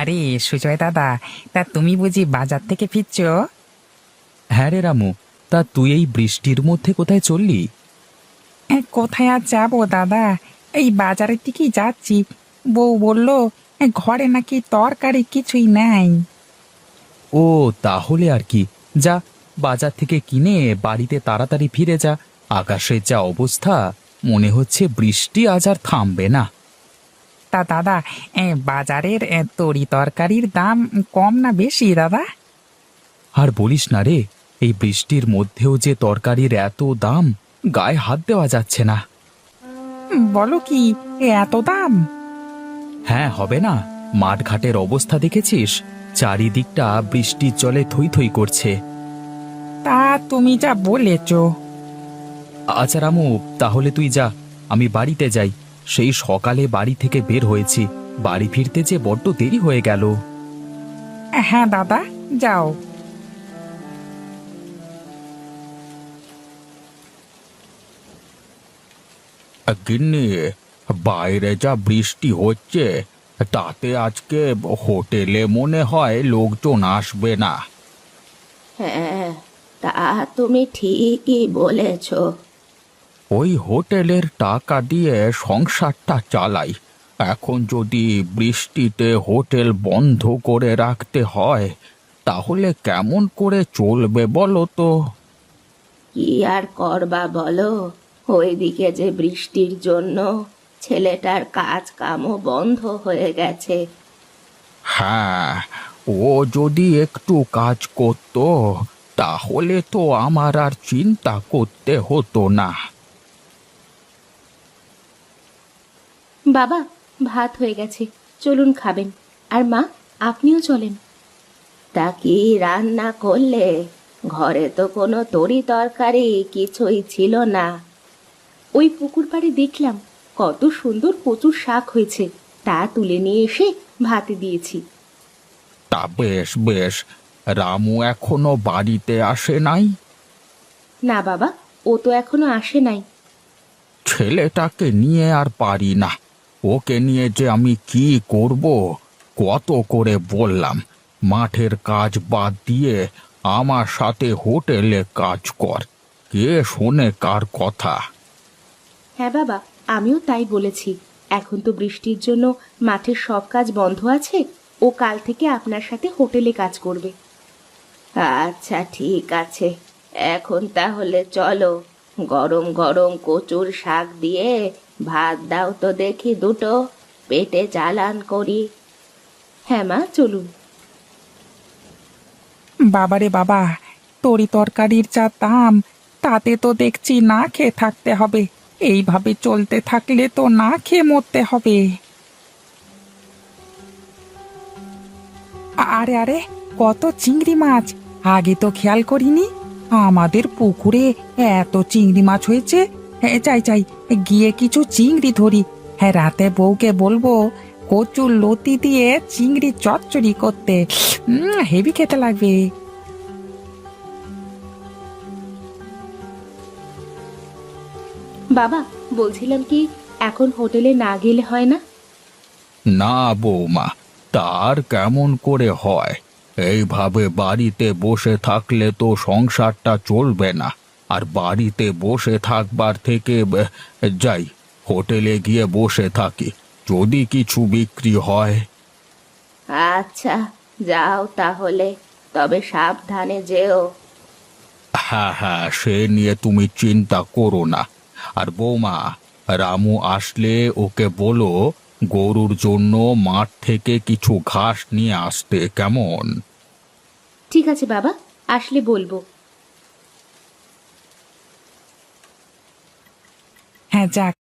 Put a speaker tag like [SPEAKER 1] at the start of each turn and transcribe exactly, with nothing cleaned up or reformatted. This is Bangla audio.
[SPEAKER 1] আরে সুজয় দাদা, তা তুমি বুঝি বাজার থেকে ফিরছো?
[SPEAKER 2] হ্যাঁ রে রামু, তা তুই এই বৃষ্টির মধ্যে কোথায় চললি?
[SPEAKER 1] এ, কোথায় আর যাবো দাদা, এই বাজারের দিকেই যাচ্ছি। বউ বললো এ, ঘরে নাকি তরকারি কিছুই নেই।
[SPEAKER 2] ও, তাহলে আর কি, যা বাজার থেকে কিনে বাড়িতে তাড়াতাড়ি ফিরে যা। আকাশের যা অবস্থা, মনে হচ্ছে বৃষ্টি আজ আর থামবে না।
[SPEAKER 1] তা দাদা, এ, বাজারের এ, তরি তরকারির দাম কম না বেশি দাদা?
[SPEAKER 2] আর বলিস না রে, এই বৃষ্টির মধ্যেও যে তরকারির এত দাম, গায়ে হাত দেওয়া যাচ্ছে না।
[SPEAKER 1] উম, বলো কি, এ, এত দাম?
[SPEAKER 2] হ্যাঁ, হবে না? মাঠঘাটের অবস্থা দেখেছিস? চারিদিকটা বৃষ্টির জলে থই থই করছে।
[SPEAKER 1] তা তুমি যা বলেছো।
[SPEAKER 2] আচ্ছা রামু, তাহলে তুই যা, আমি বাড়িতে যাই। সেই সকালে বাড়ি থেকে বের হয়েছি, বাড়ি ফিরতে যে বড্ড দেরি হয়ে গেল।
[SPEAKER 1] হ্যাঁ দাদা, যাও।
[SPEAKER 2] গিন্নি, বাইরে যা বৃষ্টি হচ্ছে, তাতে আজকে হোটেলে মনে হয় লোকজন আসবে না।
[SPEAKER 3] হ্যাঁ, তা তুমি ঠিকই বলেছ।
[SPEAKER 2] ওই হোটেলের টাকা দিয়ে সংসারটা চালাই, এখন যদি বৃষ্টিতে হোটেল বন্ধ করে রাখতে হয়, তাহলে কেমন করে চলবে বলো তো?
[SPEAKER 3] কি আর করবা বলো, ওইদিকে যে বৃষ্টির জন্য ছেলেটার কাজ কামও বন্ধ হয়ে গেছে।
[SPEAKER 2] হ্যাঁ, ও যদি একটু কাজ করত, তাহলে তো আমার আর চিন্তা করতে হতো না।
[SPEAKER 3] বাবা, ভাত হয়ে গেছে, চলুন খাবেন। আর মা, আপনিও চলেন। তা কি রান্না করলে? ঘরে তো কোনো তরি তরকারি কিছুই ছিল না। ওই পুকুর পাড়ে দেখলাম কত সুন্দর কচুর শাক হয়েছে, তা তুলে নিয়ে এসে ভাতে দিয়েছি।
[SPEAKER 2] তা বেশ বেশ, রামু এখনো বাড়িতে আসে নাই?
[SPEAKER 3] না বাবা, ও তো এখনো আসে নাই।
[SPEAKER 2] ছেলেটাকে নিয়ে আর পারি না, ওকে নিয়ে যে আমি কি করব। কত করে বললাম, মাঠের কাজ বাদ দিয়ে আমার সাথে হোটেলে কাজ কর, কে শোনে কার কথা?
[SPEAKER 3] হ্যাঁ বাবা, আমিও তাই বলেছি। এখন তো বৃষ্টির জন্য মাঠের সব কাজ বন্ধ আছে, ও কাল থেকে আপনার সাথে হোটেলে কাজ করবে। আচ্ছা ঠিক আছে, এখন তাহলে চলো, গরম গরম কচুর শাক দিয়ে ভাত দাও তো দেখি দুটো, পেটে চালান করি। হ্যাঁ মা, চলুন।
[SPEAKER 1] বাবারে বাবা, তরি তরকারির যা দাম, তাতে তো দেখছি না খেয়ে থাকতে হবে। এইভাবে চলতে থাকলে তো না খেয়ে মরতে হবে। আ- আরে আরে, কত চিংড়ি মাছ! আগে তো খেয়াল করিনি। আমাদের পুকুরে এত চিংড়ি মাছ হয়েছে। হ্যাঁ, চাই চাই, গিয়ে কিছু চিংড়ি ধরি। হ্যাঁ, রাতে বউকে বলবো কচুর লতি দিয়ে চিংড়ি চচ্চড়ি করতে। উম, হেভি খেতে লাগবে।
[SPEAKER 3] বাবা, বলছিলাম কি, এখন হোটেলে না গেলে হয় না?
[SPEAKER 2] না বৌমা, তার কেমন করে হয়? এইভাবে বাড়িতে বসে থাকলে তো সংসারটা চলবে না। আর বাড়িতে বসে থাকবার থেকে ব- যাই, হোটেলে গিয়ে বসে থাকি, যদি কিছু বিক্রি হয়।
[SPEAKER 3] আচ্ছা, যাও তাহলে, তবে সাবধানে যেও।
[SPEAKER 2] হ্যাঁ হ্যাঁ, সে নিয়ে তুমি চিন্তা করো না। আর বৌমা, রামু আসলে ওকে বলো গরুর জন্য মাঠ থেকে কিছু ঘাস নিয়ে আসতে, কেমন?
[SPEAKER 3] ঠিক আছে বাবা, আসলে বলবো।
[SPEAKER 1] হ্যাঁ, যাক,